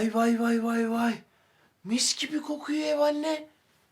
Vay vay vay vay vay. Mis gibi kokuyor ev anne.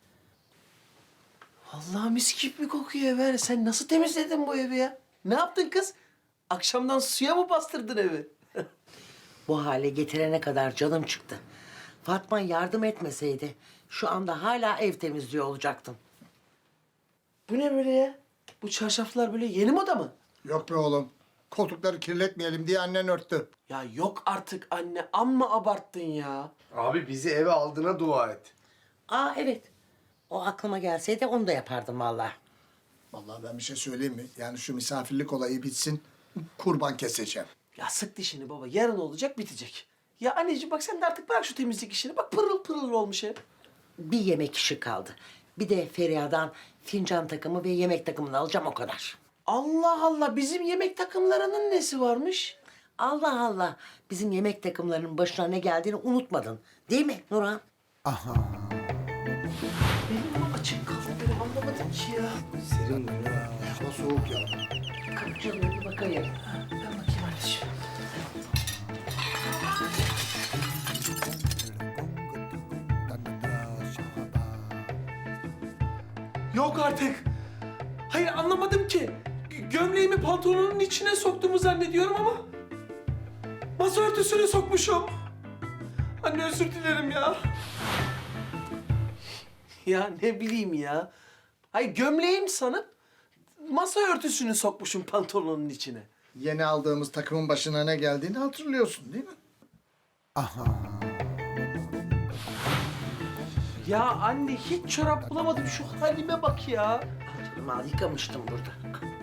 Vallahi mis gibi kokuyor ev. Sen nasıl temizledin bu evi ya? Ne yaptın kız? Akşamdan suya mı bastırdın evi? Bu hale getirene kadar canım çıktı. Fatma yardım etmeseydi şu anda hala ev temizliyor olacaktım. Bu ne böyle ya? Bu çarşaflar böyle yeni moda mı? Yok be oğlum. Koltukları kirletmeyelim diye annen örttü. Ya yok artık anne. Amma abarttın ya. Abi bizi eve aldığına dua et. Aa evet. O aklıma gelseydi onu da yapardım vallahi. Vallahi ben bir şey söyleyeyim mi? Yani şu misafirlik olayı bitsin, kurban keseceğim. Ya sık dişini baba. Yarın olacak bitecek. Ya anneciğim bak sen de artık bırak şu temizlik işini. Bak pırıl pırıl olmuş ev. Bir yemek işi kaldı. Bir de Feriha'dan fincan takımı ve yemek takımını alacağım o kadar. Allah Allah bizim yemek takımlarının nesi varmış? Allah Allah. Bizim yemek takımlarının başına ne geldiğini unutmadın. Değil mi Nurhan? Benim mi açık kaldı benim anlamadım ki ya. Serin mi? Hava soğuk ya. Kapıcılığı bir bakayım. Ben bakayım anneciğim. Yok artık. Hayır anlamadım ki. Gömleğimi pantolonun içine soktuğumu zannediyorum ama... masa örtüsüne sokmuşum. Anne özür dilerim ya. Ya ne bileyim ya. Hayır gömleğim sanıp masa örtüsünü sokmuşum pantolonun içine. Yeni aldığımız takımın başına ne geldiğini hatırlıyorsun değil mi? Ya anne hiç çorap bulamadım. Şu halime bak ya. Canım al yıkamıştım burada.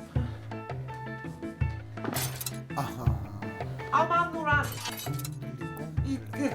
Aman Nurhan. Gitti.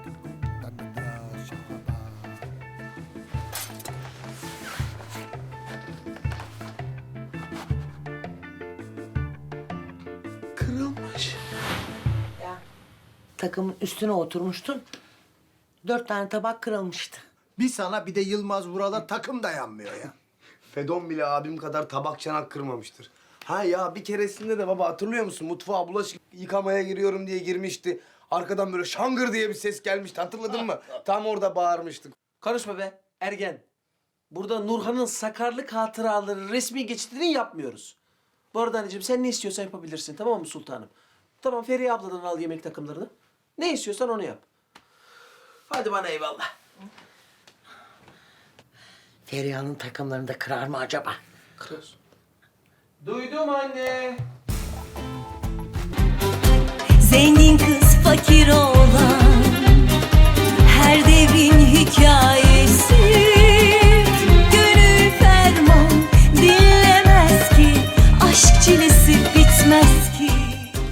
Kırılmış. Ya, takımın üstüne oturmuştun. 4 tane tabak kırılmıştı. Bir sana bir de Yılmaz Vural'a takım dayanmıyor ya. Fedon bile abim kadar tabak çanak kırmamıştır. Ha ya bir keresinde de baba hatırlıyor musun? Mutfağa bulaşık yıkamaya giriyorum diye girmişti. Arkadan böyle şangır diye bir ses gelmişti hatırladın mı? Tam orada bağırmıştık. Konuşma be ergen. Burada Nurhan'ın sakarlık hatıraları resmi geçitini yapmıyoruz. Bu arada anneciğim sen ne istiyorsan yapabilirsin tamam mı sultanım? Tamam Feriha abladan al yemek takımlarını. Ne istiyorsan onu yap. Hadi bana eyvallah. Feriha'nın takımlarını da kırar mı acaba? Kırıyoruz. Duydum anne. Zengin kız fakir oğlan